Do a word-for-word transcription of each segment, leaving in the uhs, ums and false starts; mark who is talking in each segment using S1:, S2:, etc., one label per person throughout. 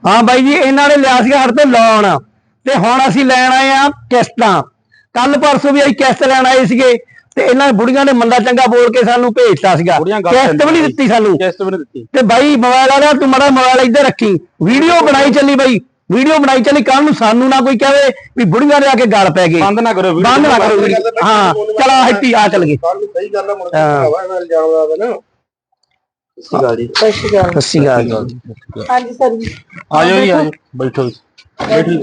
S1: हाँ बाई जी इन्हों ने लिया साढ़े तो लोन ते हुण असीं लैण आए आ किस्तां। कल परसों भी असीं किस्त लैण आए सीगे ते इन्हां बुढ़ियां ने मंदा चंगा बोल के सानू भेजता सीगा, किस्त भी नहीं दित्ती सानू। ते बाई मोबाइल वाला तू माड़ा मोबाइल इधर रखी, वीडियो बनाई चली बाई, वीडियो बनाई चली, कल नूं सानू ना कोई कहे भी बुढ़ियां दे आके गल पै गई। बंद ना करो, बंद ना करो। हाँ चल हट्टी आ चल गए।
S2: हाँ जी सर जी
S3: आ जाओ जी, आ जाओ बैठो बैठो।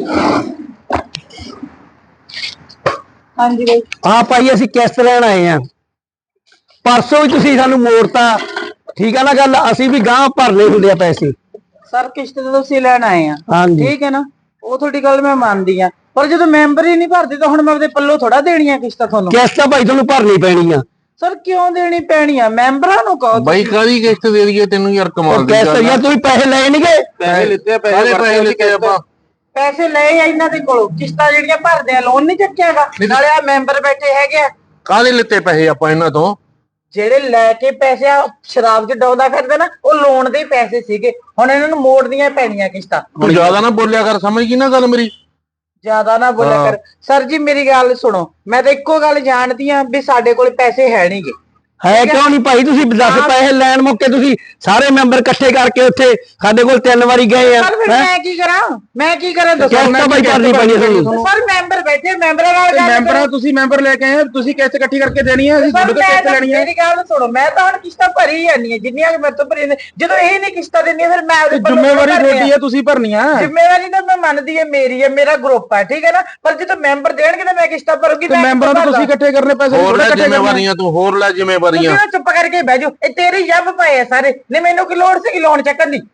S2: हाँ जी भाई
S1: हाँ भाई असीं किस्त लैण आए हैं, परसों भी तुसीं सानू मोड़ता, ठीक है ना गल, असीं भी गांह भरने हुंदे आ पैसे।
S2: सर किश्त तो तुसीं लैण आए हैं,
S1: हाँ जी
S2: ठीक है ना, वो थोड़ी गल मैं मानदी हां, पर जो मैंबर ही नहीं भरदे तो हुण मैं अपने पल्लों थोड़ा देनी है किश्त तुहानूं।
S1: किस्त भाई तुहानूं भरनी पैनी आ।
S2: सर क्यों देनी पैनी है, मैंबरां नूं कहो
S3: भाई कादी किस्त दे दईए तैनूं यार, कमाल दी
S1: किस्त यार तुसीं पैसे लए नहीं गए,
S3: पैसे लित्ते पैसे पैसे लित्ते ਆਪਾਂ
S2: पैसे लए आ इन्हां दे कोलों, किश्तां ਜਿਹੜੀਆਂ ਭਰਦੇ ਆ ਲੋਨ ਨਹੀਂ ਚੱਕਿਆਗਾ, ਨਾਲੇ ਆ ਮੈਂਬਰ ਬੈਠੇ ਹੈਗੇ ਆ।
S3: ਕਾਦੇ ਲਿੱਤੇ ਪੈਸੇ ਆਪਾਂ ਇਹਨਾਂ ਤੋਂ?
S2: ਜਿਹੜੇ ਲੈ ਕੇ ਪੈਸੇ ਆ ਸ਼ਰਾਬ ਚ ਡਾਉਂਦਾ ਫਿਰਦੇ ਨਾ, ਉਹ ਲੋਨ ਦੇ ਪੈਸੇ ਸੀਗੇ, ਹੁਣ ਇਹਨਾਂ ਨੂੰ ਮੋੜਨੀਆਂ ਪੈਣੀਆਂ ਕਿਸ਼ਤਾਂ।
S3: ਤੂੰ ਜ਼ਿਆਦਾ ਨਾ ਬੋਲਿਆ ਕਰ, ਸਮਝ ਗਈ ਨਾ ਗੱਲ ਮੇਰੀ?
S2: ज्यादा ना बोलिया कर सर जी, मेरी गल सुनो, मैं तो इको गल जानती हां भी साडे कोल पैसे है नहीं गे।
S1: है क्यों नहीं भाई, तुसीं दस पैसे लैण मौके तुसीं सारे मैंबर इकट्ठे करके उत्थे साडे कोल तीन वारी गए आ।
S2: मैं की करा मैं की करा दसो,
S1: किस्त भाई भरनी पैनी सानूं।
S2: सर मैंबर बैठे, मैंबरां नाल गल
S4: मैंबरां तुसीं मैंबर लेके आए, तुसीं किस्त इकट्ठी करके देनी है, ਅਸੀਂ ਤੁਹਾਡੇ ਤੋਂ ਕਿਸ਼ਤ ਲੈਣੀ ਹੈ।
S2: मेरी गल सुनो, मैं तो हुण किश्तां भरी जानी है जिन्नियां कि मेरे तो भरी ने, ਜਦੋਂ ਇਹ ਨਹੀਂ ਕਿਸ਼ਤਾਂ ਦਿੰਦੀਆਂ ਫਿਰ ਮੈਂ ਉਹਦੇ
S4: ਜ਼ਿੰਮੇਵਾਰੀ ਤੁਹਾਡੀ ਹੈ, ਤੁਸੀਂ ਭਰਨੀ ਆ।
S2: ਜ਼ਿੰਮੇਵਾਰੀ ਤਾਂ ਮੈਂ ਮੰਨਦੀ ਹੈ, ਮੇਰੀ ਹੈ, ਮੇਰਾ ਗਰੁੱਪ ਹੈ, ਠੀਕ ਹੈ ਨਾ, ਪਰ ਜਦੋਂ ਮੈਂਬਰ ਦੇਣਗੇ ਤਾਂ ਮੈਂ ਕਿਸ਼ਤਾਂ ਭਰੂੰਗੀ।
S4: ਤੇ ਮੈਂਬਰਾਂ ਤੋਂ ਤੁਸੀਂ ਇਕੱਠੇ ਕਰਨੇ ਪੈਸੇ,
S3: ਹੋਰ ਲੈ ਜ਼ਿੰਮੇਵਾਰੀਆਂ, ਤੂੰ ਹੋਰ ਲੈ ਜ਼ਿੰਮੇਵਾਰੀਆਂ।
S2: ਚੁੱਪ ਕਰਕੇ ਬਹਿ ਜਾਓ, ਇਹ ਤੇਰੇ ਜੱਬ ਪਏ ਆ ਸਾਰੇ ਨੇ, ਮੈਨੂੰ ਕੀ ਲੋੜ ਸੀ ਲੋਨ ਚੱਕਣ ਦੀ?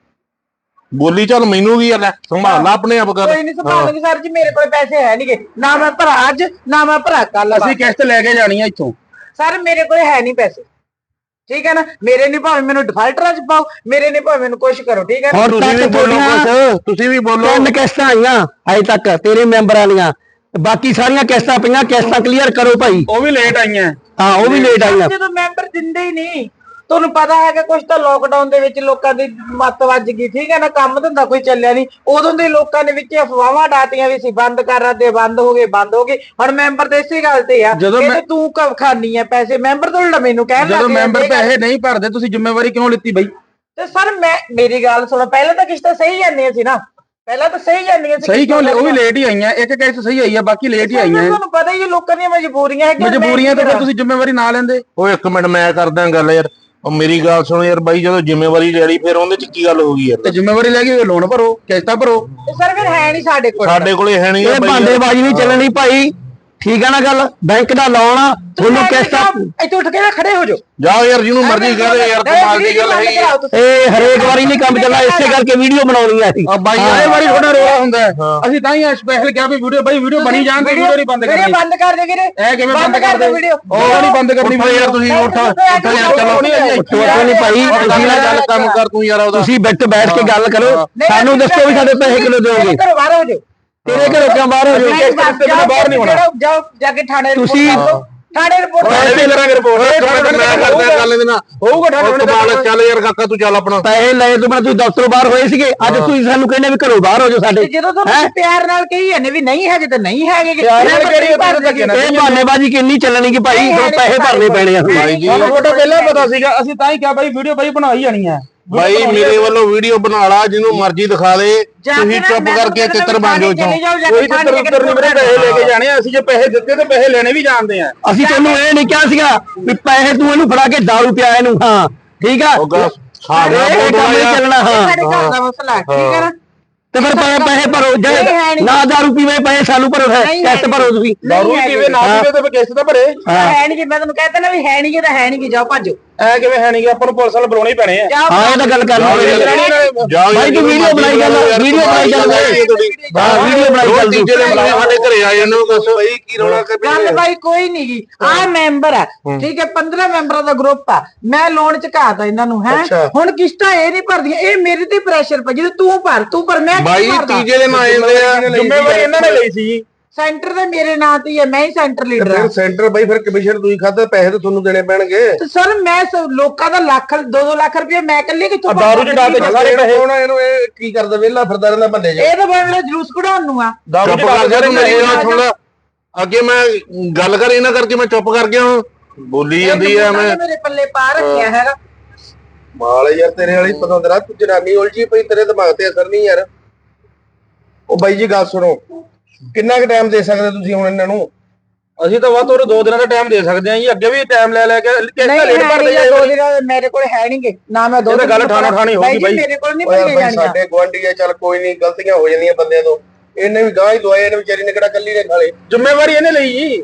S3: ਬੋਲੀ ਚੱਲ ਮੈਨੂੰ ਵੀ ਲੈ ਸੰਭਾਲ ਲਾ ਆਪਣੇ ਆਪ ਕਰ।
S2: ਕੋਈ ਨਹੀਂ ਸੰਭਾਲੂਗੀ ਸਰ ਜੀ, ਮੇਰੇ ਕੋਲ ਪੈਸੇ ਹੈ ਨਹੀਂਗੇ, ਨਾ ਮੈਂ ਭਰਾ ਅੱਜ ਨਾ ਮੈਂ ਭਰਾ ਕੱਲ।
S4: ਅਸੀਂ ਕਿਸ਼ਤ ਲੈ ਕੇ ਜਾਣੀ ਆ ਇੱਥੋਂ।
S2: ਸਰ ਮੇਰੇ ਕੋਲ ਹੈ ਨਹੀਂ ਪੈਸੇ, ਠੀਕ ਹੈ ਨਾ, ਮੇਰੇ ਨਹੀਂ ਭਾਵੇਂ ਮੈਨੂੰ ਡਿਫਾਲਟਰਾਂ ਚ ਪਾਓ, ਮੇਰੇ ਨਹੀਂ ਭਾਵੇਂ ਮੈਨੂੰ ਕੁਛ ਕਰੋ, ਠੀਕ ਹੈ ਨਾ।
S1: और
S3: ਤੁਸੀਂ ਵੀ ਬੋਲੋ ਕੁਛ, ਤੁਸੀਂ ਵੀ ਬੋਲੋ।
S1: तीन किस्तां आईयां अजे तक तेरे मैंबरां दीयां, बाकी सारियां किस्तां पईयां, किस्तां क्लीयर करो भाई।
S4: ਉਹ ਵੀ ਲੇਟ ਆਈਆਂ।
S1: हाँ वो भी लेट आईयां।
S2: ਜਦੋਂ ਮੈਂਬਰ ਦਿੰਦੇ ਹੀ ਨਹੀਂ, ਤੁਹਾਨੂੰ ਪਤਾ ਹੈ ਕਿ ਕੁਝ ਤਾਂ ਲੋਕਡਾਊਨ ਦੇ ਵਿੱਚ ਲੋਕਾਂ ਦੀ ਮੱਤ ਵੱਜ ਗਈ, ਠੀਕ ਹੈ ਨਾ, ਕੰਮ ਧੰਦਾ ਕੋਈ ਚੱਲਿਆ ਨਹੀਂ, ਉਦੋਂ ਦੇ ਲੋਕਾਂ ਨੇ ਵਿੱਚ ਅਫਵਾਹਾਂ ਡਾਟੀਆਂ ਵੀ ਸੀ ਬੰਦ ਕਰ ਰਹੇ, ਬੰਦ ਹੋ ਗਏ ਬੰਦ ਹੋ ਗਏ। ਹੁਣ ਮੈਂਬਰ ਤੇ ਇਸੇ ਗੱਲ ਤੇ ਆ ਕਿ ਤੂੰ ਕਬ ਖਾਨੀ ਹੈ ਪੈਸੇ, ਮੈਂਬਰ ਤੋਂ ਉਲਟਾ ਮੈਨੂੰ ਕਹਿਣ ਲੱਗ
S4: ਜਦੋਂ ਮੈਂਬਰ ਪੈਸੇ ਨਹੀਂ ਭਰਦੇ ਤੁਸੀਂ ਜ਼ਿੰਮੇਵਾਰੀ ਕਿਉਂ ਲਿੱਤੀ ਬਈ?
S2: ਤੇ ਸਰ ਮੈਂ ਮੇਰੀ ਗੱਲ ਸੁਣੋ, ਪਹਿਲਾਂ ਤਾਂ ਕਿਸ਼ਤਾਂ ਸਹੀ ਜਾਂਦੀਆਂ ਸੀ ਨਾ, ਪਹਿਲਾਂ ਤਾਂ ਸਹੀ ਜਾਂਦੀਆਂ ਸੀ।
S4: ਸਹੀ ਕਿਉਂ? ਉਹ ਵੀ ਲੇਟ ਹੀ ਆਈਆਂ, ਇੱਕ ਕਿਸ਼ਤ ਸਹੀ ਆਈ ਆ, ਬਾਕੀ ਲੇਟ ਹੀ ਆਈਆਂ।
S2: ਤੁਹਾਨੂੰ ਪਤਾ ਹੀ ਲੋਕਾਂ ਦੀਆਂ ਮਜਬੂਰੀਆਂ ਹੈਗੀਆਂ,
S4: ਮਜਬੂਰੀਆਂ ਤੇ ਫਿਰ ਤੁਸੀਂ ਜ਼ਿੰਮੇਵਾਰੀ ਨਾ ਲੈਂਦੇ।
S3: ਓਏ ਇੱਕ ਮਿੰਟ ਮੈਂ ਕਰਦਾ ਗੱਲ ਯਾਰ, ਉਹ ਮੇਰੀ ਗੱਲ ਸੁਣੋ ਯਾਰ ਬਾਈ, ਜਦੋਂ ਜ਼ਿੰਮੇਵਾਰੀ ਲੈ ਲਈ ਫਿਰ ਉਹਦੇ ਚ ਕੀ ਗੱਲ ਹੋ ਗਈ ਯਾਰ?
S4: ਤੇ ਜ਼ਿੰਮੇਵਾਰੀ ਲੈ ਕੇ ਲੋਨ ਭਰੋ, ਕਿਸ਼ਤਾਂ ਭਰੋ।
S2: ਸਰ ਫਿਰ ਹੈ ਨਹੀਂ ਸਾਡੇ ਕੋਲ,
S3: ਸਾਡੇ ਕੋਲੇ ਹੈ ਨਹੀਂ
S1: ਇਹ ਬਾਂਦੇਬਾਜ਼ੀ ਨਹੀਂ ਚੱਲਣੀ ਭਾਈ, ਠੀਕ ਹੈ ਨਾ ਗੱਲ, ਬੈਂਕ ਦਾ ਲੋਨ ਆ ਤੁਹਾਨੂੰ ਕਿਸ਼ਤਾਂ।
S2: ਇੱਥੇ ਉੱਠ ਕੇ ਨਾ ਖੜੇ ਹੋ ਜਾਓ,
S3: ਜਾਓ ਯਾਰ, ਜਿਹਨੂੰ ਮਰਜ਼ੀ ਕਹਦੇ ਯਾਰ, ਕਮਾਲ ਦੀ ਗੱਲ ਹੈਗੀ।
S1: ਇਹ ਹਰੇਕ ਵਾਰੀ ਨਹੀਂ ਕੰਮ ਚੱਲਣਾ, ਇਸੇ ਕਰਕੇ ਵੀਡੀਓ ਬਣਾਉਣੀ ਆ ਅਸੀਂ।
S4: ਆ ਬਾਈ ਇਹ ਵਾਰੀ ਥੋੜਾ ਰੋਲਾ ਹੁੰਦਾ ਹੈ, ਅਸੀਂ ਤਾਂ ਹੀ ਸਪੈਸ਼ਲ ਕਿਹਾ ਵੀ ਵੀਡੀਓ ਬਾਈ ਵੀਡੀਓ ਬਣੀ ਜਾਣ ਤੇ ਵੀਡੀਓ ਨਹੀਂ ਬੰਦ ਕਰਨੀ।
S2: ਵੀਡੀਓ ਬੰਦ ਕਰ ਦੇ ਵੀਰੇ,
S4: ਇਹ ਕਿਵੇਂ ਬੰਦ ਕਰ ਦੇ ਵੀਡੀਓ? ਉਹ ਨਹੀਂ ਬੰਦ ਕਰਨੀ
S3: ਯਾਰ, ਤੁਸੀਂ ਉੱਠ ਉੱਠ ਯਾਰ, ਚਲੋ
S1: ਨਹੀਂ ਭਾਈ, ਤੁਸੀਂ ਨਾ
S3: ਗੱਲ ਕੰਮ ਕਰ ਤੂੰ ਯਾਰ ਉਹਦਾ।
S1: ਤੁਸੀਂ ਬੈਠ ਬੈਠ ਕੇ ਗੱਲ ਕਰੋ, ਸਾਨੂੰ ਦੱਸੋ ਵੀ ਸਾਡੇ ਪੈਸੇ ਕਿਲੋ ਦਿਓਗੇ।
S2: ਘਰੋਂ ਬਾਹਰ ਹੋ ਜਾਓ,
S1: ਤੇਰੇ ਘਰੋਂ ਕਿਉਂ ਬਾਹਰ ਹੋ ਜਾਓ?
S4: ਬਾਹਰ ਨਹੀਂ ਹੋਣਾ।
S2: ਜਾਓ ਜਾ ਕੇ ਥਾਣੇ
S1: ਤੁਸੀਂ
S2: ਥਾਣੇ ਰਿਪੋਰਟ
S3: ਮੈਂ ਕਰਾਂਗੇ ਰਿਪੋਰਟ, ਮੈਂ ਕਰਦਾ ਗੱਲ ਇਹਦੇ ਨਾਲ ਹੋਊਗਾ। ਕਮਾਲ, ਚੱਲ ਯਾਰ ਕਾਕਾ ਤੂੰ ਚੱਲ ਆਪਣਾ।
S1: ਪੈਸੇ ਲਏ ਤੋਂ ਮੈਂ ਤੁਸੀਂ ਦਫ਼ਤਰੋਂ ਬਾਹਰ ਹੋਏ ਸੀਗੇ, ਅੱਜ ਤੁਸੀਂ ਸਾਨੂੰ ਕਹਿੰਦੇ ਵੀ ਘਰੋਂ ਬਾਹਰ ਹੋ ਜਾਓ ਸਾਡੇ।
S2: ਜਦੋਂ ਤੁਸੀਂ ਪਿਆਰ ਨਾਲ ਕਹੀ ਜਾਂਦੇ ਵੀ ਨਹੀਂ ਹੈਗੇ ਤੇ ਨਹੀਂ ਹੈਗੇ,
S1: ਇਹ ਬਹਾਨੇਬਾਜ਼ੀ ਕਿੰਨੀ ਚੱਲਣੀ ਕਿ ਭਾਈ ਪੈਸੇ ਭਰਨੇ ਪੈਣੇ ਆ
S3: ਭਾਈ ਜੀ।
S4: ਸਾਨੂੰ ਤੁਹਾਡਾ ਪਹਿਲਾਂ ਪਤਾ ਸੀਗਾ, ਅਸੀਂ ਤਾਂ ਹੀ ਕਿਹਾ ਬਾਈ ਵੀਡੀਓ ਬਾਈ ਬਣਾਈ ਜਾਣੀ ਆ।
S3: ਭਾਈ ਮੇਰੇ ਵੱਲੋਂ ਵੀਡੀਓ ਬਣਾ ਲਾ, ਜਿਹਨੂੰ ਮਰਜ਼ੀ ਦਿਖਾ ਦੇ, ਤੁਸੀਂ ਚੁੱਪ ਕਰਕੇ ਤਿੱਤਰ ਬਣ ਜਾਓ ਇੱਥੋਂ।
S4: ਕੋਈ ਤਿੱਤਰ ਉੱਤਰ ਨਹੀਂ, ਮੇਰੇ ਪੈਸੇ ਲੈ ਕੇ ਜਾਣੇ ਆ, ਅਸੀਂ ਜੇ ਪੈਸੇ ਦਿੱਤੇ ਤੇ ਪੈਸੇ ਲੈਣੇ ਵੀ ਜਾਣਦੇ ਆ।
S1: ਅਸੀਂ ਤੈਨੂੰ ਇਹ ਨਹੀਂ ਕਿਹਾ ਸੀਗਾ ਵੀ ਪੈਸੇ ਤੂੰ ਇਹਨੂੰ ਫੜਾ ਕੇ ਦਾਰੂ ਪਿਆ ਇਹਨੂੰ, ਹਾਂ ਠੀਕ ਆ,
S3: ਸਾਡੇ
S1: ਚੱਲਣਾ। ਹਾਂ
S2: ਸਾਡੇ ਘਰ ਦਾ ਮਸਲਾ, ਠੀਕ ਹੈ ਨਾ,
S1: ਤੇ ਫਿਰ ਪੈਸੇ ਭਰੋ, ਜੇ ਨਾ ਦਾਰੂ ਪੀਵੇ ਪੈਸੇ ਸਾਨੂੰ ਭਰੋ, ਕਿਸ਼ਤ ਭਰੋ ਤੁਸੀਂ।
S4: ਦਾਰੂ ਪੀਵੇ ਨਾ ਪੀਵੇ ਤੇ ਕਿਸ਼ਤ ਤਾਂ ਭਰੇ।
S2: ਹੈ ਨਹੀਂ, ਮੈਂ ਤੁਹਾਨੂੰ ਕਹਿੰਦਾ ਨਾ ਵੀ ਹੈ ਨਹੀਂ, ਤਾਂ ਹੈ ਨਹੀਂ, ਜਾਓ ਭੱਜੋ।
S4: ਐ ਕਿਵੇਂ ਹੈ ਨਹੀਂ, ਆਪਾਂ ਨੂੰ ਪੁਲਿਸ ਵਾਲੇ ਬੁਲਾਉਣੇ ਹੀ ਪੈਣੇ ਆ।
S1: ਹਾਂ ਇਹ ਤਾਂ ਗੱਲ ਕਰਨੀ ਭਾਈ, ਤੂੰ ਵੀਡੀਓ ਬਣਾਈ ਚੱਲ, ਵੀਡੀਓ ਬਣਾਈ ਚੱਲ, ਹਾਂ ਵੀਡੀਓ ਬਣਾਈ ਚੱਲ।
S3: ਤੀਜੇ ਦੇ ਬੁਲਾਏ ਸਾਡੇ ਘਰੇ ਆ ਜਾਂਦੇ ਹੋ, ਦੱਸੋ ਭਾਈ ਕੀ ਰੌਲਾ ਕਰ ਪਿਆ?
S2: ਗੱਲ ਭਾਈ ਕੋਈ ਨਹੀਂ ਗੀ, ਆਹ ਮੈਂਬਰ ਆ, ਠੀਕ ਹੈ, ਪੰਦਰਾਂ ਮੈਂਬਰਾਂ ਦਾ ਗਰੁੱਪ ਆ, ਮੈਂ ਲੋਨ ਚੁਕਾਤਾ ਇਹਨਾਂ ਨੂੰ, ਹੈ ਹੁਣ ਕਿਸ਼ਤਾਂ ਇਹ ਨਹੀਂ ਭਰਦੀਆਂ, ਇਹ ਮੇਰੇ ਤੇ ਪ੍ਰੈਸ਼ਰ ਪੈ, ਜਦੋਂ ਤੂੰ ਭਰ ਤੂੰ ਭਰ ਮੈਂ
S3: ਭਾਈ ਤੀਜੇ ਦੇ ਨਾ ਆਉਂਦੇ ਆ,
S4: ਜ਼ਿੰਮੇਵਾਰੀ ਇਹਨਾਂ ਨੇ ਲਈ ਸੀ।
S2: ਸੈਂਟਰ ਤੇ ਮੇਰੇ ਨਾਂ ਤੇ ਹੀ ਹੈ, ਮੈਂ ਹੀ ਸੈਂਟਰ ਲੀਡਰ
S5: ਫਿਰ
S2: ਹਾਂ।
S5: ਸੈਂਟਰ ਬਾਈ ਫਿਰ ਕਮਿਸ਼ਨ ਤੁਸੀਂ ਖਾਦਾ, ਪੈਸੇ ਤਾਂ ਤੁਹਾਨੂੰ ਦੇਣੇ ਪੈਣਗੇ।
S2: ਤੇ ਸਰ ਮੈਂ ਸ- ਲੋਕਾਂ ਦਾ ਲੱਖ ਦੋ ਦੋ ਲੱਖ ਰੁਪਏ ਮੈਂ ਇਕੱਲੇ ਕਿੱਥੋਂ ਭਰ
S4: ਦਾਰੂ ਚ ਡਾਲ ਕੇ
S2: ਸਕਦੀ?
S4: ਸਾਰੇ ਪੈਸੇ
S5: ਕੌਣ ਆ ਇਹਨੂੰ, ਇਹ ਕੀ ਕਰਦਾ ਵਿਹਲਾ ਫਿਰਦਾ ਰਹਿੰਦਾ ਬੰਦੇ ਚ।
S2: ਇਹ ਤਾਂ ਬਣ ਜਲੂਸ ਕਢਾਉਣ ਨੂੰ ਆ।
S4: ਦਾਰੂ
S3: ਚੁੱਪ
S4: ਚ ਡਾਲ
S3: ਕਰ ਜਾ
S4: ਕੇ
S3: ਤੂੰ, ਮੇਰੀ
S2: ਸਾਰੇ
S3: ਗੱਲ ਸੁਣ ਲੈ। ਅੱਗੇ ਮੈਂ ਗੱਲ ਕਰ ਇਹਨਾਂ ਕਰਕੇ ਮੈਂ ਚੁੱਪ ਕਰ ਗਿਆ ਹੁਣ, ਬੋਲੀ ਜਾਂਦੀ ਆ ਮੈਂ।
S2: ਮੇਰੇ ਪੱਲੇ ਪਾ ਰੱਖਿਆ ਹੈਗਾ।
S5: ਮਾਲ ਯਾਰ ਤੇਰੇ ਵਾਲੀ ਪਸੰਦ ਰਾ, ਤੂੰ ਜਨਾਨੀ ਉਲਝੀ ਪਈ, ਤੇਰੇ ਦਿਮਾਗ ਤੇ ਅਸਰ ਨਹੀਂ ਯਾਰ। ਉਹ ਬਾਈ ਜੀ ਗੱਲ ਸੁਣੋ, ਕਿੰਨਾ ਕੁ ਟਾਈਮ ਦੇ ਸਕਦੇ ਤੁਸੀਂ ਹੁਣ ਇਹਨਾਂ ਨੂੰ?
S4: ਅਸੀਂ ਤਾਂ ਵੱਧ ਤੋਂ ਵੱਧ ਦੋ ਦਿਨਾਂ ਦਾ ਟਾਈਮ ਦੇ ਸਕਦੇ ਹਾਂ ਜੀ, ਅੱਗੇ ਵੀ ਟਾਈਮ ਲੈ ਲੈ ਕੇ ਕਿਸ
S2: ਨਹੀਂ
S4: ਦਾ ਲੇਟ
S2: ਹੈ
S4: ਭਰਦੇ
S2: ਨਹੀਂ,
S4: ਜਾਏ।
S2: ਦੋ ਦਿਨ ਮੇਰੇ ਕੋਲ ਹੈ ਨਹੀਂਗੇ ਨਾ, ਮੈਂ ਦੋ
S4: ਇਹ ਤਾਂ ਗੱਲ
S2: ਦਿਨ
S4: ਠਾਣੋ ਠਾਣੀ ਹੋਊਗੀ
S2: ਬਾਈ ਜੀ,
S4: ਬਾਈ।
S2: ਮੇਰੇ ਕੋਲ ਨਹੀਂ
S5: ਉਹ ਯਾਰ
S2: ਭਰੀਆਂ
S5: ਬਾਈ
S2: ਜਾਣੀਆਂ।
S5: ਸਾਡੇ ਗੁਆਂਢੀ ਆ, ਚੱਲ ਕੋਈ ਨਹੀਂ, ਗਲਤੀਆਂ ਹੋ ਜਾਂਦੀਆਂ ਬੰਦਿਆਂ ਤੋਂ। ਇਹਨੇ ਵੀ ਗਾਂ ਹੀ ਦਵਾਏ, ਇਹਨੇ ਵਿਚਾਰੀ ਨੇ ਕਿਹੜਾ ਕੱਲੀ ਨੇ ਖਾਲੇ।
S4: ਜ਼ਿੰਮੇਵਾਰੀ ਇਹਨੇ ਲਈ ਜੀ।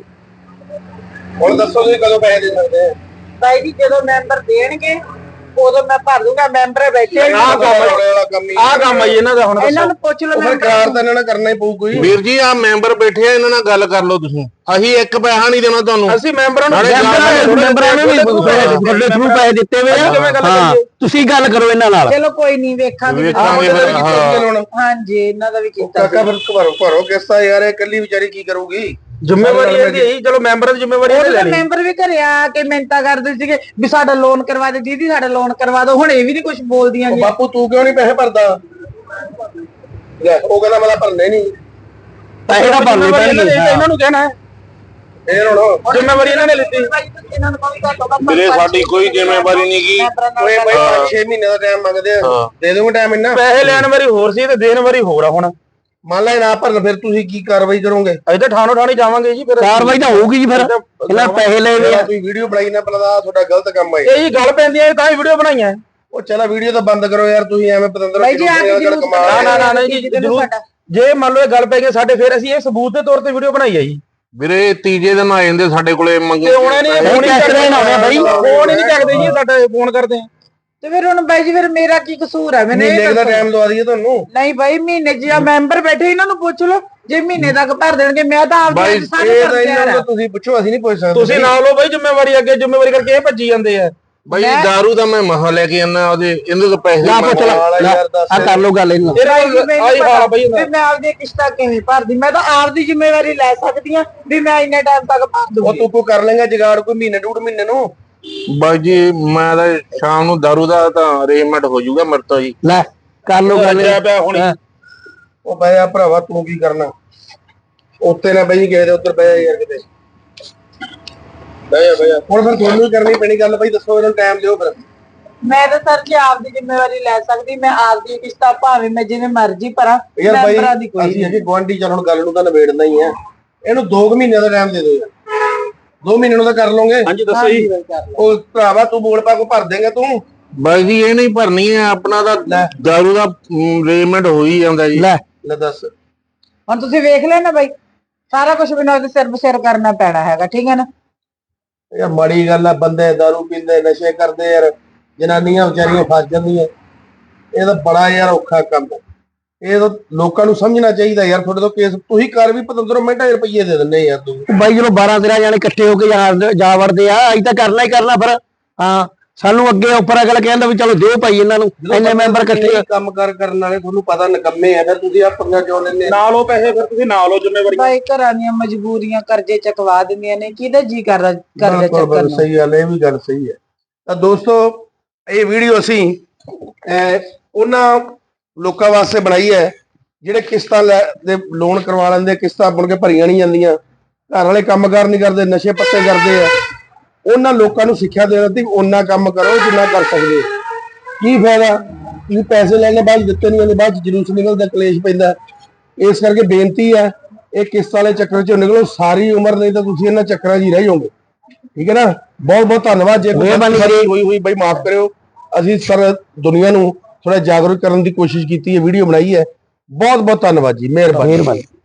S5: ਹੁਣ ਦੱਸੋ ਤੁਸੀਂ ਕਦੋਂ ਪੈਸੇ ਦੇ ਸਕਦੇ ਆ?
S2: ਬਾਈ ਜੀ ਜਦੋਂ ਮੈਂਬਰ ਦੇਣਗੇ ਉਦੋਂ ਮੈਂ ਭਰ ਦੂੰਗਾ। ਮੈਂਬਰ ਬੈਠੇ
S4: ਆਹ ਕੰਮ ਆ-
S5: ਵਾਲਾ ਕੰਮ ਹੀ
S4: ਆਹ ਕੰਮ ਆ ਜੀ ਇਹਨਾਂ ਦਾ, ਹੁਣ
S2: ਇਹਨਾਂ
S4: ਦੱਸੋ।
S2: ਨੂੰ ਪੁੱਛ ਲਓ
S5: ਉਹ ਫਿਰ
S2: ਮੈਂਬਰ
S5: ਕਾਰ ਤਾਂ ਇਹਨਾਂ ਨਾਲ ਕਰਨਾ ਹੀ ਪਊ ਕੋਈ।
S3: ਵੀਰ ਜੀ ਆ ਮੈਂਬਰ ਬੈਠੇ ਆ, ਇਹਨਾਂ ਨਾਲ ਗੱਲ ਕਰ ਲਓ ਤੁਸੀਂ। ਅਸੀਂ ਇੱਕ ਪੈਸਾ ਨਹੀਂ ਦੇਣਾ ਤੁਹਾਨੂੰ।
S4: ਅਸੀਂ ਮੈਂਬਰਾਂ ਨੂੰ
S3: ਨਾਲੇ
S1: ਮੈਂਬਰਾਂ ਨੇ ਵੀ ਤੁਹਾਡੇ ਥਰੂ ਪੈਸੇ ਦਿੱਤੇ ਹੋਏ ਆ। ਹਾਂ, ਤੁਸੀਂ ਗੱਲ ਕਰੋ ਇਹਨਾਂ ਨਾਲ।
S2: ਚਲੋ ਕੋਈ ਨਹੀਂ, ਵੇਖਾਂਗੇ।
S3: ਵੇਖਾਂਗੇ
S5: ਆਹ
S3: ਫਿਰ,
S5: ਵੀ
S3: ਹਾਂ।
S5: ਕੀਤਾ ਹੁਣ।
S2: ਹਾਂਜੀ ਇਹਨਾਂ ਦਾ ਵੀ ਕੀਤਾ
S5: ਕਾਕਾ ਫਿਰ ਭਰੋ ਭਰੋ ਕਿਸ਼ਤਾ ਯਾਰ, ਇਹ ਕੱਲੀ ਵਿਚਾਰੀ ਕੀ ਕਰੂਗੀ?
S4: ਜ਼ਿੰਮੇਵਾਰੀ ਇਹਦੀ ਹੈ ਜੀ, ਚਲੋ ਮੈਂਬਰਾਂ ਦੀ ਜ਼ਿੰਮੇਵਾਰੀ ਇਹਨੇ
S2: ਉਹ
S4: ਲੈਣੀ।
S2: ਮੈਂਬਰ ਵੀ ਘਰੇ ਆ ਕੇ ਮਿੰਤਾ ਕਰਦੇ ਸੀਗੇ ਵੀ ਸਾਡਾ ਲੋਨ ਕਰਵਾ ਦੇ ਦੀਦੀ, ਸਾਡਾ ਲੋਨ ਕਰਵਾ ਦਿਓ। ਹੁਣ ਇਹ ਵੀ ਨਹੀਂ ਕੁਝ ਬੋਲਦੀਆਂ
S5: ਉਹ
S2: ਜੀ।
S5: ਬਾਪੂ ਤੂੰ ਕਿਉਂ ਨਹੀਂ ਪੈਸੇ ਭਰਦਾ? ਲੈ ਉਹ ਕਹਿੰਦਾ ਮੈਂ ਤਾਂ ਭਰਨੇ ਨਹੀਂ।
S1: ਪੈਸੇ ਤਾਂ ਭਰਨੇ
S4: ਜ਼ਿੰਮੇਵਾਰੀ ਇਹਨਾਂ ਨੇ-
S1: ਪੈਣਗੇ।
S4: ਇਹਨਾਂ ਨੂੰ ਕਹਿਣਾ ਹੈ,
S5: ਫੇਰ ਹੁਣ
S4: ਜ਼ਿੰਮੇਵਾਰੀ ਇਹਨਾਂ ਨੇ ਲਿੱਤੀ।
S2: ਇਹਨਾਂ ਨੂੰ ਕੋਈ ਗੱਲ ਨਹੀਂ।
S3: ਵੀਰੇ ਸਾਡੀ ਕੋਈ ਜ਼ਿੰਮੇਵਾਰੀ ਨਹੀਂ ਗੀ।
S5: ਓਏ ਬਾਈ ਪੰਜ ਛੇ ਮਹੀਨੇ ਦਾ ਟਾਈਮ ਮੰਗਦੇ ਆ,
S3: ਹਾਂ।
S5: ਦੇ ਦੂੰਗਾ ਟਾਈਮ ਇੰਨਾ।
S4: ਪੈਸੇ ਲੈਣ ਵਾਰੀ ਹੋਰ ਸੀ ਤੇ ਦੇਣ ਵਾਰੀ ਹੋਰ ਆ। ਹੁਣ
S5: ਮੰਨ ਲੈ ਨਾ ਭਰਨ, ਫਿਰ ਤੁਸੀਂ ਕੀ ਕਾਰਵਾਈ ਕਰੋਗੇ?
S4: ਅਸੀਂ ਤਾਂ ਠਾਣੋ ਠਾਣੀ ਜਾਵਾਂਗੇ ਜੀ। ਫਿਰ
S1: ਕਾਰਵਾਈ ਤਾਂ ਹੋਊਗੀ ਜੀ, ਫਿਰ ਇਹਨਾਂ ਪੈਸੇ ਲਏ ਹੋਏ ਆ।
S5: ਤੁਸੀਂ ਵੀਡੀਓ ਬਣਾਈ ਨਾ ਪਹਿਲਾਂ ਤਾਂ ਆਹ ਤੁਹਾਡਾ ਗਲਤ ਕੰਮ ਹੈ।
S4: ਇਹ ਜੀ ਗੱਲ ਪੈਂਦੀ ਹੈ ਤਾਂ ਹੀ ਵੀਡੀਓ ਬਣਾਈਆਂ।
S5: ਉਹ ਚਲਾ ਵੀਡੀਓ ਤਾਂ ਬੰਦ ਕਰੋ ਯਾਰ, ਤੁਸੀਂ ਐਵੇਂ ਪਤੰਦਰ
S2: ਬਾਈ ਜੀ, ਆਹ ਕੀ ਜਲੂਸ
S4: ਨਾ ਨਾ ਨਾ ਨਾ ਜੀ, ਜ਼ਰੂਰ। ਜੇ ਮੰਨ ਲਓ ਇਹ ਗੱਲ ਪੈ ਗਈ ਸਾਡੇ, ਫਿਰ ਅਸੀਂ ਇਹ ਸਬੂਤ ਦੇ ਤੌਰ ਤੇ ਵੀਡੀਓ ਬਣਾਈ ਹੈ ਜੀ।
S3: ਵੀਰੇ ਤੀਜੇ ਦਿਨ ਆ ਜਾਂਦੇ ਸਾਡੇ ਕੋਲੇ ਮੰਗੇ।
S4: ਤੇ ਹੁਣ ਨਹੀਂ ਫੋਨ ਹੀ ਚੱਕਦੇ ਨਾ ਬਾਈ, ਫੋਨ ਹੀ ਨਹੀਂ ਚੱਕਦੇ ਜੀ ਸਾਡਾ, ਫੋਨ ਕਰਦੇ ਆ।
S2: ਤੇ ਫਿਰ ਹੁਣ ਬਾਈ ਜੀ, ਫਿਰ ਮੇਰਾ ਕੀ ਕਸੂਰ ਹੈ? ਮੈਨੂੰ
S5: ਮਹੀਨੇ
S2: ਇਹ
S5: ਦਾ
S2: ਦੱਸੋ।
S5: ਟਾਈਮ ਦਵਾ ਦਈਏ ਤੁਹਾਨੂੰ?
S2: ਨਹੀਂ ਬਾਈ, ਮਹੀਨੇ ਜਿਹਾ ਮੈਂਬਰ ਬੈਠੇ, ਇਹਨਾਂ ਨੂੰ ਪੁੱਛ ਲਓ। ਜੇ ਮਹੀਨੇ ਤੱਕ ਭਰ ਦੇਣਗੇ, ਮੈਂ ਤਾਂ ਆਪ
S3: ਬਾਈ,
S2: ਸਾਰੇ
S5: ਇਹ ਤਾਂ
S2: ਭਰ
S5: ਇਹਨਾਂ
S2: ਦਿਆ।
S5: ਨੂੰ ਤੁਸੀਂ ਪੁੱਛੋ, ਅਸੀਂ ਨਹੀਂ ਪੁੱਛ ਸਕਦੇ।
S4: ਤੁਸੀਂ ਨਾ ਲਓ ਬਾਈ ਜ਼ਿੰਮੇਵਾਰੀ, ਅੱਗੇ ਜ਼ਿੰਮੇਵਾਰੀ ਕਰਕੇ ਇਹ ਭੱਜੀ ਜਾਂਦੇ ਆ।
S3: ਬਾਈ ਦਾਰੂ ਦਾ ਮੈਂ ਮਹਾ ਲੈ ਕੇ ਆਣਾ, ਉਹਦੇ ਇਹਦੇ ਤੋਂ ਪੈਸੇ
S1: ਨਾ ਪੁੱਛ
S5: ਵਾਲਾ
S1: ਲੈ,
S5: ਯਾਰ ਦੱਸ।
S1: ਆ ਕਰ ਲੋ ਗੱਲ ਇਹਨਾਂ ਨਾਲ।
S4: ਇਹ
S2: ਬਾਈ ਜੀ, ਮੈਨੂੰ
S4: ਆਹੀ ਹਾਲ ਆ ਬਾਈ
S2: ਪਤਾ ਵੀ ਮੈਂ ਆਪਦੀ ਕਿਸ਼ਤਾਂ ਕਿਵੇਂ ਭਰਦੀ, ਮੈਂ ਤਾਂ ਆਪਦੀ ਜ਼ਿੰਮੇਵਾਰੀ ਲੈ ਸਕਦੀ ਆ ਵੀ ਮੈਂ ਇੰਨੇ ਟਾਈਮ ਤੱਕ ਭਰ
S5: ਉਹ
S2: ਦੂੰਗੀ।
S5: ਤੂੰ ਕੋ ਕਰ ਲੇਗਾ ਜਗਾੜ ਕੋਈ ਮਹੀਨੇ ਡੂਢ ਮਹੀਨੇ ਨੂੰ?
S3: ਬਾਈ ਜੀ ਮੈਂ ਤਾਂ ਸ਼ਾਮ ਨੂੰ ਦਾਰੂ ਦਾ ਤਾਂ ਅਰੇਂਜਮੈਂਟ ਹੋ ਜਾਊਗਾ ਮੇਰੇ ਤੋਂ ਜੀ।
S1: ਲੈ ਕਰ ਲੋ ਗੱਲ।
S4: ਰੱਜਿਆ ਪਿਆ ਹੁਣੀ।
S1: ਹਾਂ।
S5: ਉਹ ਬਈ ਆ ਭਰਾਵਾ ਤੂੰ ਕੀ ਕਰਨਾ? ਉੱਤੇ ਨਾ ਬਈ ਗਏ ਦੇ ਉੱਧਰ ਬਈ ਯਾਰ ਕਿਤੇ ਬਈ ਬਈ ਹੁਣ ਫਿਰ ਤੁਹਾਨੂੰ ਹੀ ਕਰਨੀ ਪੈਣੀ ਗੱਲ। ਬਈ ਦੱਸੋ ਇਹਨਾਂ ਨੂੰ ਟਾਈਮ ਦਿਓ ਫਿਰ।
S2: ਮੈਂ ਤਾਂ ਸਰ ਜੀ ਆਪਦੀ ਜ਼ਿੰਮੇਵਾਰੀ ਲੈ ਸਕਦੀ, ਮੈਂ ਆਪਦੀ ਕਿਸ਼ਤਾਂ ਭਾਵੇਂ ਮੈਂ ਜਿਵੇਂ ਮਰਜ਼ੀ ਭਰਾਂ,
S5: ਯਾਰ ਬਾਈ
S2: ਮੈਂਬਰਾਂ ਦੀ ਕੋਈ
S5: ਅਸੀਂ ਅਜੇ ਗੁਆਂਢੀ, ਚੱਲ ਹੁਣ ਗੱਲ ਨੂੰ ਤਾਂ ਨਿਬੇੜਨਾ ਹੀ ਹੈ। ਇਹਨੂੰ ਦੋ ਕੁ ਮਹੀਨਿਆਂ ਦਾ ਟਾਈਮ ਦੇ ਦਿਓ ਯਾਰ। ਦੋ ਮਹੀਨੇ ਨੂੰ ਤਾਂ ਕਰ ਲਓਗੇ।
S4: ਹਾਂਜੀ ਦੱਸੋ ਜੀ।
S5: ਉਹ ਭਰਾਵਾ ਤੂੰ ਬੋਲ ਪਾ ਕੋ ਭਰ ਦੇਂਗਾ ਤੂੰ?
S3: ਬਾਈ ਜੀ ਇਹ ਨਹੀਂ ਭਰਨੀ ਹੈ, ਆਪਣਾ ਤਾਂ ਦਾਰੂ ਦਾ ਅਰੇਂਜਮੈਂਟ ਹੋ ਹੀ ਜਾਂਦਾ ਜੀ।
S1: ਲੈ
S5: ਲੈ ਦੱਸ।
S2: ਹੁਣ ਤੁਸੀਂ ਵੇਖ ਲਿਆ ਨਾ ਬਾਈ, ਸਾਰਾ ਕੁਝ ਮੈਨੂੰ ਉਹਦੇ ਸਿਰ ਬਸਿਰ ਕਰਨਾ ਪੈਣਾ ਹੈਗਾ, ਠੀਕ ਹੈ ਨਾ?
S5: ਯਾਰ ਮਾੜੀ ਗੱਲ ਆ, ਬੰਦੇ ਦਾਰੂ ਪੀਂਦੇ ਨਸ਼ੇ ਕਰਦੇ ਯਾਰ, ਜਨਾਨੀਆਂ ਵਿਚਾਰੀਆਂ ਫਸ ਜਾਂਦੀਆਂ। ਇਹ ਤਾਂ ਬੜਾ ਯਾਰ ਔਖਾ ਕੰਮ ਹੈ। ਇਹ ਤਾਂ ਲੋਕਾਂ ਨੂੰ ਸਮਝਣਾ ਚਾਹੀਦਾ ਯਾਰ। ਤੁਹਾਡੇ ਤੋਂ ਕੇਸ ਤੁਸੀਂ ਕਰ ਵੀ ਪਤੰਦਰੋਂ ਮਿੰਟਾਂ ਰੁਪਈਏ ਦੇ ਦਿੰਦੇ ਯਾਰ ਤੂੰ।
S1: ਬਾਈ ਜਦੋਂ ਬਾਰਾਂ ਤੇਰਾਂ ਜਾਣੇ ਇਕੱਠੇ ਹੋ ਕੇ ਜਾ- ਜਾ ਵੜਦੇ ਆ, ਅਸੀਂ ਤਾਂ ਕਰਨਾ ਹੀ ਕਰਨਾ ਫਿਰ। ਹਾਂ, ਸਾਨੂੰ ਅੱਗੇ ਉੱਪਰ ਅਗਲਾ ਕਹਿੰਦਾ ਵੀ ਚਲੋ ਦਿਓ ਭਾਈ ਇਹਨਾਂ ਨੂੰ, ਇੰਨੇ ਮੈਂਬਰ ਇਕੱਠੇ ਆ।
S5: ਕੰਮ ਕਰ ਕਰਨ ਵਾਲੇ ਤੁਹਾਨੂੰ ਪਤਾ ਨਿਕੰਮੇ ਆ, ਫਿਰ ਤੁਸੀਂ ਆਪਣੀਆਂ ਕਿਉਂ ਲੈਂਦੇ?
S4: ਨਾ ਲਓ ਪੈਸੇ, ਫਿਰ ਤੁਸੀਂ ਨਾ ਲਓ ਜ਼ਿੰਮੇਵਾਰੀ।
S2: ਬਾਈ ਘਰਾਂ ਦੀਆਂ ਮਜਬੂਰੀਆਂ ਕਰਜ਼ੇ ਚਕਵਾ ਦਿੰਦੀਆਂ ਨੇ, ਕਿਹਦਾ ਜੀ ਕਰਦਾ ਕਰਜ਼ਾ
S5: ਬਿਲਕੁਲ
S2: ਚੱਕਣ
S5: ਬਿਲਕੁਲ
S2: ਨੂੰ?
S5: ਸਹੀ ਗੱਲ ਹੈ, ਇਹ ਵੀ ਗੱਲ ਸਹੀ ਹੈ। ਤਾਂ ਦੋਸਤੋ ਇਹ ਵੀਡੀਓ ਅਸੀਂ ਅਹ, ਉਹਨਾਂ ਲੋਕਾਂ ਵਾਸਤੇ ਬਣਾਈ ਹੈ ਜਿਹੜੇ ਕਿਸ਼ਤਾਂ ਲੈ ਦੇ ਲੋਨ ਕਰਵਾ ਲੈਂਦੇ, ਕਿਸ਼ਤਾਂ ਮੁੜ ਕੇ ਭਰੀਆਂ ਨਹੀਂ ਜਾਂਦੀਆਂ, ਘਰ ਵਾਲੇ ਕੰਮਕਾਰ ਨਹੀਂ ਕਰਦੇ, ਨਸ਼ੇ ਪੱਤੇ ਕਰਦੇ ਆ। ਉਹਨਾਂ ਲੋਕਾਂ ਨੂੰ ਸਿੱਖਿਆ ਦੇਣਾ ਤੇ ਉਹਨਾਂ ਕੰਮ ਕਰੋ ਜਿੰਨਾ ਕਰ ਸਕਦੇ। ਕੀ ਫਾਇਦਾ ਤੁਸੀਂ ਪੈਸੇ ਲੈਣੇ ਬਾਅਦ ਦਿੱਤੇ ਨਹੀਂ ਜਾਂਦੇ, ਬਾਅਦ ਚ ਜਲੂਸ ਨਿਕਲਦਾ, ਕਲੇਸ਼ ਪੈਂਦਾ। ਇਸ ਕਰਕੇ ਬੇਨਤੀ ਹੈ, ਇਹ ਕਿਸ਼ਤਾਂ ਵਾਲੇ ਚੱਕਰ ਚੋਂ ਨਿਕਲੋ ਸਾਰੀ ਉਮਰ, ਨਹੀਂ ਤਾਂ ਤੁਸੀਂ ਇਹਨਾਂ ਚੱਕਰਾਂ 'ਚ ਹੀ ਰਹਿ ਜਾਓਗੇ। ਠੀਕ ਹੈ ਨਾ? ਬਹੁਤ ਬਹੁਤ ਧੰਨਵਾਦ। ਜੇ ਮਿਹਰਬਾਨੀ ਹੋਈ ਹੋਈ ਬਾਈ ਮਾਫ ਕਰਿਓ। ਅਸੀਂ ਸਰ ਦੁਨੀਆ ਨੂੰ ਥੋੜਾ ਜਾਗਰੂਕ ਕਰਨ ਦੀ ਕੋਸ਼ਿਸ਼ ਕੀਤੀ ਹੈ, ਵੀਡੀਓ ਬਣਾਈ ਹੈ। ਬਹੁਤ ਬਹੁਤ ਧੰਨਵਾਦ ਜੀ, ਮਿਹਰਬਾਨੀ।